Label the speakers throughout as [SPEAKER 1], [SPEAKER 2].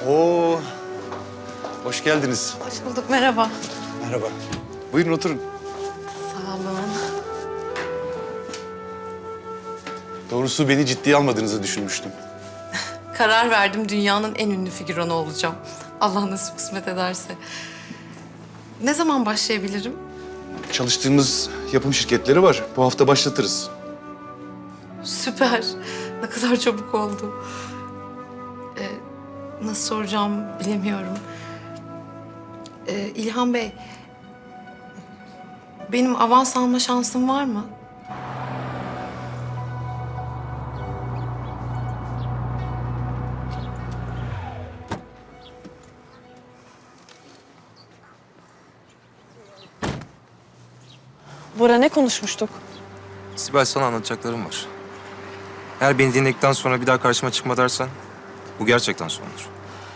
[SPEAKER 1] Oo, hoş geldiniz.
[SPEAKER 2] Hoş bulduk, merhaba.
[SPEAKER 1] Merhaba. Buyurun oturun.
[SPEAKER 2] Sağ olun.
[SPEAKER 1] Doğrusu beni ciddiye almadığınızı düşünmüştüm.
[SPEAKER 2] Karar verdim, dünyanın en ünlü figüranı olacağım. Allah nasip kısmet ederse. Ne zaman başlayabilirim?
[SPEAKER 1] Çalıştığımız yapım şirketleri var. Bu hafta başlatırız.
[SPEAKER 2] Süper. Ne kadar çabuk oldu. Nasıl soracağım bilemiyorum. İlhan Bey, benim avans alma şansım var mı?
[SPEAKER 3] Bora, ne konuşmuştuk?
[SPEAKER 4] Sibel, sana anlatacaklarım var. Eğer beni dinledikten sonra bir daha karşıma çıkma dersen bu gerçekten sondur.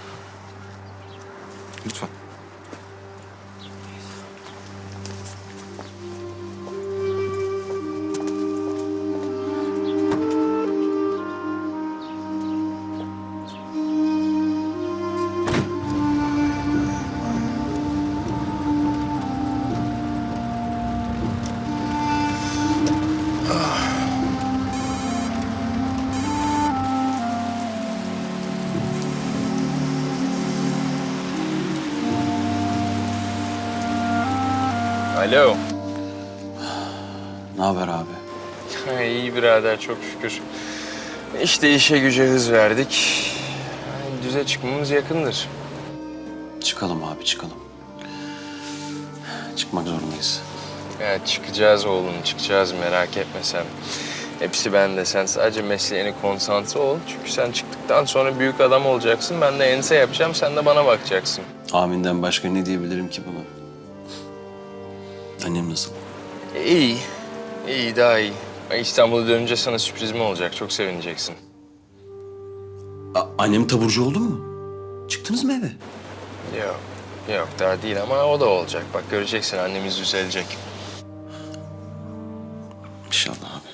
[SPEAKER 4] Lütfen.
[SPEAKER 5] Alo.
[SPEAKER 6] Ne haber abi?
[SPEAKER 5] İyi birader, çok şükür. İşte işe güce hız verdik. Yani düze çıkmamız yakındır.
[SPEAKER 6] Çıkalım abi, çıkalım. Çıkmak zorundayız.
[SPEAKER 5] Ya çıkacağız oğlum, çıkacağız, merak etme sen. Hepsi bende. Sen sadece mesleğine konsantre ol. Çünkü sen çıktıktan sonra büyük adam olacaksın. Ben de ense yapacağım, sen de bana bakacaksın.
[SPEAKER 6] Aminden başka ne diyebilirim ki buna? Annem nasıl?
[SPEAKER 5] İyi. İyi, daha iyi. İstanbul'a dönünce sana sürprizim olacak. Çok sevineceksin.
[SPEAKER 6] Annem taburcu oldu mu? Çıktınız mı eve?
[SPEAKER 5] Yok. Yok, daha değil ama o da olacak. Bak göreceksin, annemiz düzelecek.
[SPEAKER 6] İnşallah abi.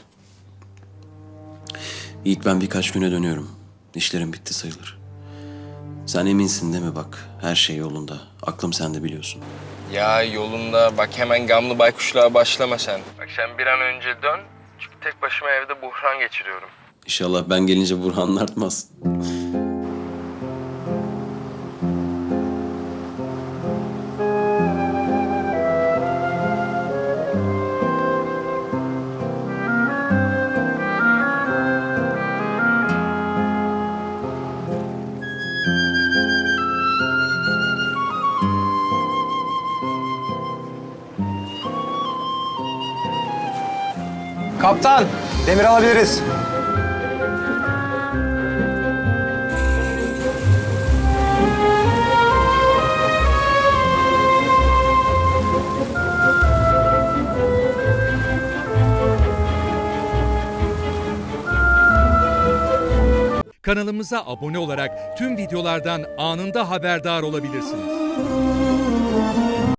[SPEAKER 6] Yiğit, ben birkaç güne dönüyorum. İşlerim bitti sayılır. Sen eminsin değil mi bak? Her şey yolunda. Aklım sende biliyorsun.
[SPEAKER 5] Ya yolunda, bak hemen gamlı baykuşluğa başlama sen. Bak sen bir an önce dön. Çünkü tek başıma evde buhran geçiriyorum.
[SPEAKER 6] İnşallah ben gelince Burhan artmaz.
[SPEAKER 7] Kaptan, demir alabiliriz.
[SPEAKER 8] Kanalımıza abone olarak tüm videolardan anında haberdar olabilirsiniz.